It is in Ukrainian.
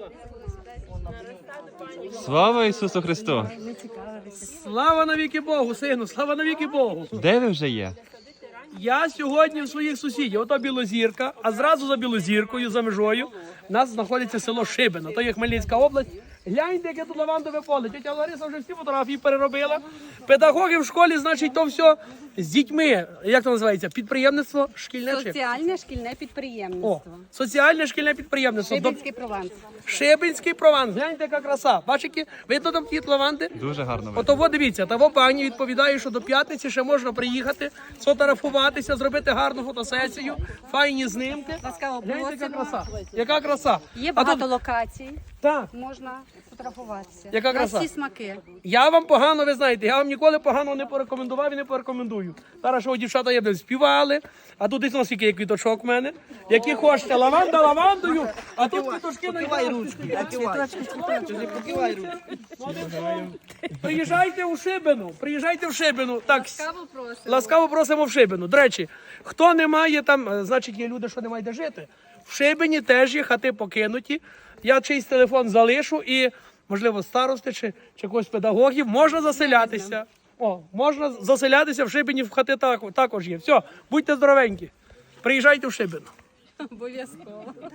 Слава Ісусу Христу! Слава навіки Богу, сину, слава навіки Богу. Де ви вже є? Я сьогодні в своїх сусідів, ото Білозірка, а зразу за Білозіркою, за межою, у нас знаходиться село Шибино, то є Хмельницька область. Гляньте, яке тут лавандове поле. Тетя Лариса вже всі фотографії переробила. Педагоги в школі, значить, то все з дітьми, як це називається, підприємництво шкільне чи? Соціальне шкільне О, підприємництво. соціальне шкільне підприємництво. Шибинський прованс. Шибинський прованс. Гляньте, яка краса. Бачите, видно там ті лаванди? Дуже гарно видно. Ото во, дивіться, того пані відповідає, що до п'ятниці ще можна приїхати, сфотографуватися, зробити гарну фотосесію, файні знимки. Ласкаво Гляньте, яка просимо. краса. Яка краса. Є А багато тут- локацій, Так. можна фотографуватися. Яка На краса. всі смаки. Я вам погано, ви знаєте, я вам ніколи погано не порекомендував і не порекомендую. Зараз що дівчата є, співали, а тут дійсно скільки є квіточок в мене. Які хочете, лаванда лавандою, а тут квіточки на Приїжджайте у Шибину, приїжджайте в Шибину. Так, ласкаво просимо в Шибину. До речі, хто не має там, значить є люди, що не мають де жити. В Шибині теж є хати покинуті. Я чийсь телефон залишу і, можливо, старости чи когось педагогів, можна заселятися. О, можна заселятися в Шибині, в хати також є. Все, будьте здоровенькі. Приїжджайте в Шибину. Обов'язково.